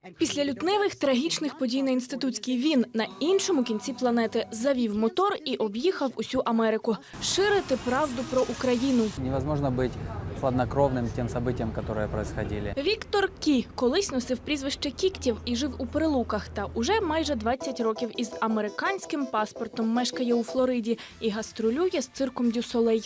Після лютневих трагічних подій на Інститутській він на іншому кінці планети завів мотор і об'їхав усю Америку. Ширити правду про Україну. Невозможно быть хладнокровним тим событиям, які происходили. Віктор Кі колись носив прізвище Кіктів і жив у Прилуках. Та уже майже 20 років із американським паспортом мешкає у Флориді і гастролює з цирком Дю Солей.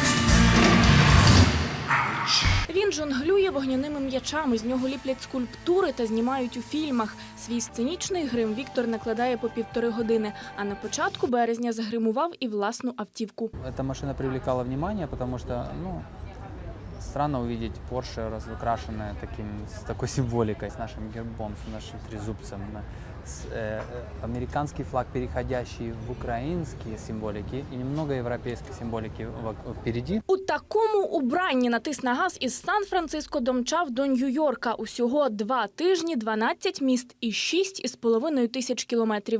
Він жонглює вогняними м'ячами, з нього ліплять скульптури та знімають у фільмах. Свій сценічний грим Віктор накладає по 1,5 години, а на початку березня загримував і власну автівку. Ця машина привлекала внимание, тому що, странно увидеть Porsche разукрашенное с такой символикой, с нашим гербом, с нашим трезубцем, американский флаг, переходящий в украинские символики и немного европейской символики впереди. У такому убранні натис на газ із Сан-Франциско домчав до Нью-Йорка. Усього 2 тижні, 12 міст і 6,5 тисяч кілометрів.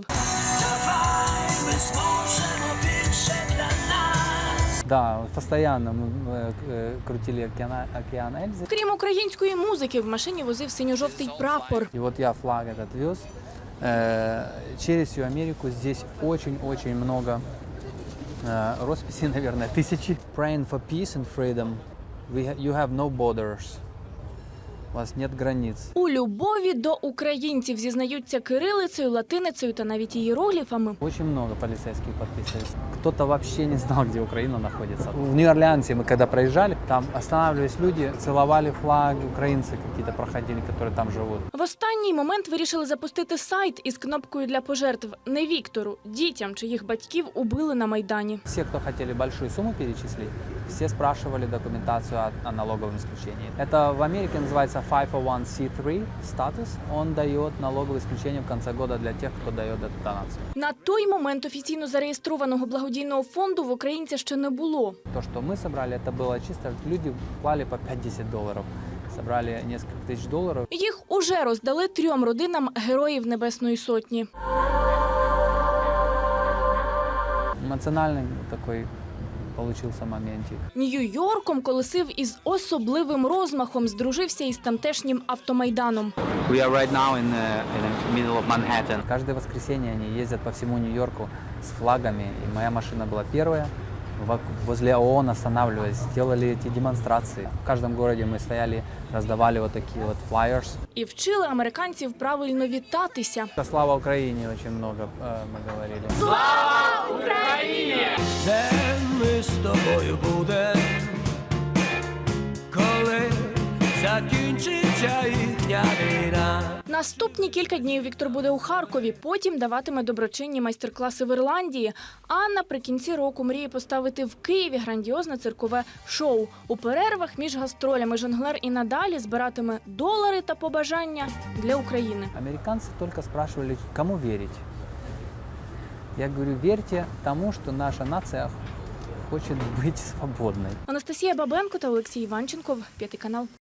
Да, постоянно мы крутили океан Эльзы. Крім української музики, в машині возив синьо-жовтий прапор. И вот я флаг этот вез. Через всю Америку здесь очень-очень много росписей, наверное, тысячи. Praying for peace and freedom. You have no borders. У вас нет границ. У любові до українців зізнаються кирилицею, латиницею та навіть ієрогліфами. Очень много полицейских подписались. Кто-то вообще не знал, где Украина находится. В Нью-Орлеансе мы когда проезжали, там останавливались люди, целовали флаг, украинцы какие-то проходили, которые там живут. В останній момент вирішили запустити сайт із кнопкою для пожертв. Не Віктору, дітям, чиїх батьків убили на Майдані. Все, кто хотели большую сумму перечислить, все спрашивали документацию о налоговом исключении. Это в Америке называется 501c3 статус. Он дает налоговое исключение в конце года для тех, кто дает эту донацию. На той момент офіційно зареєстрованого благодійного фонду в українця ще не було. То, что мы собрали, это было чисто, люди клали по $5-10. Собрали несколько тысяч долларов. Їх уже роздали 3 родинам Героїв Небесної Сотні. Эмоциональный такой получился моментик. Нью-Йорком колесив із особливим розмахом, здружився із тамтешнім автомайданом. We are right now in the middle of Manhattan. Каждое воскресенье они ездят по всему Нью-Йорку с флагами. И моя машина была первая. Возле ООН останавливались, делали эти демонстрации. В каждом городе мы стояли, раздавали вот такие вот flyers. І вчили американців правильно вітатися. Слава Украине очень много мы говорили. Слава Україні! Де ми з тобою будем, коли закінчиться їхня війна? Наступні кілька днів Віктор буде у Харкові, потім даватиме доброчинні майстер-класи в Ірландії. А наприкінці року мріє поставити в Києві грандіозне циркове шоу. У перервах між гастролями жонглер і надалі збиратиме долари та побажання для України. Американцы только спрашивали, кому верить. Я говорю, верьте тому, что наша нация хочет быть свободной. Анастасія Бабенко та Олексій Іванченков, 5 канал.